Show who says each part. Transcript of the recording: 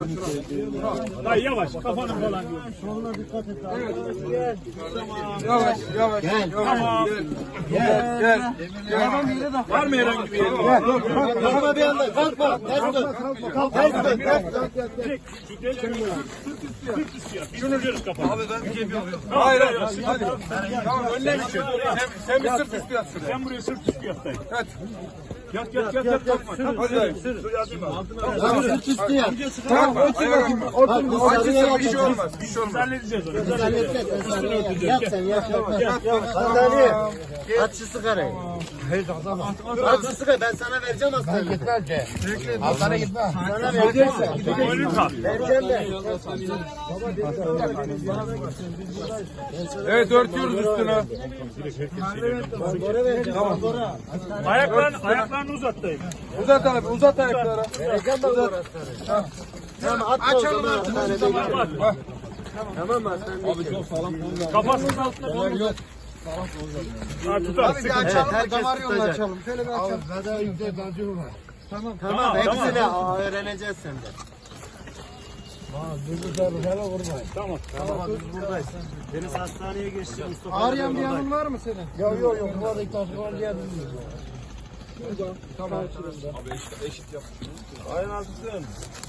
Speaker 1: Dayı yavaş kafanı falan diyor.
Speaker 2: Soluna dikkat et abi.
Speaker 3: Gel. Yavaş yavaş.
Speaker 2: Gel.
Speaker 1: Tamam.
Speaker 3: Gel.
Speaker 2: Adam bir yere de
Speaker 1: Var mı herhangi bir yerin?
Speaker 2: Gel. Kalkma bir anda. Kalkma. Ters dön. Ters dön.
Speaker 1: Çek. Şu deliği sırt üstü yap. Şunu görürüz kafanı. Abi ben bir şey yapıyorum.
Speaker 3: Hayır hayır. Hadi. Tamam önüne geçin. Sen bir sırt üstü yat şuraya.
Speaker 1: Sen buraya sırt üstü yat dayı.
Speaker 3: Evet.
Speaker 1: Yat kalkma.
Speaker 3: Hadi dayı.
Speaker 2: Tamam. Sırt üstü yap.
Speaker 3: Tamam. Otur. Bir şey olmaz. Bir şey
Speaker 1: Biz
Speaker 3: olmaz.
Speaker 1: halledeceğiz onu. Biz
Speaker 2: Halledeceğiz.
Speaker 1: halledeceğiz.
Speaker 2: Yap sen yap. Sandalye. Aç şu sigarayı. Aç şu sigarayı. Ben sana vereceğim hastaneye.
Speaker 4: Hastaneye gitme.
Speaker 2: Sana vereceğim.
Speaker 1: Boynunu tak.
Speaker 2: Vereceğim de.
Speaker 3: Evet örtüyoruz üstünü.
Speaker 2: Bora vereceğim. Bora.
Speaker 1: Ayaklarını uzat dayı.
Speaker 3: Uzat abi uzat ayakları.
Speaker 2: Vereceğim ben Bora hastaneye. Tamam atma o zaman hastanede. Tamam mı hastanede?
Speaker 1: Kafasının altına koy. Ha tutar. Sıkıntı.
Speaker 2: Evet, herkes tutacak.
Speaker 4: Şöyle bir açalım. Zaten yüksek tansiyon var.
Speaker 2: Tamam hepsini öğreneceğiz senden.
Speaker 1: Tamam.
Speaker 2: Tamam biz buradayız. Deniz hastaneye geçti Mustafa.
Speaker 4: Ağrıyan bir yanın var mı senin? Yok. Buradaki tansiyon diye bilmiyorum. Tamam. Abi eşit yap.
Speaker 1: Aynen haklısın.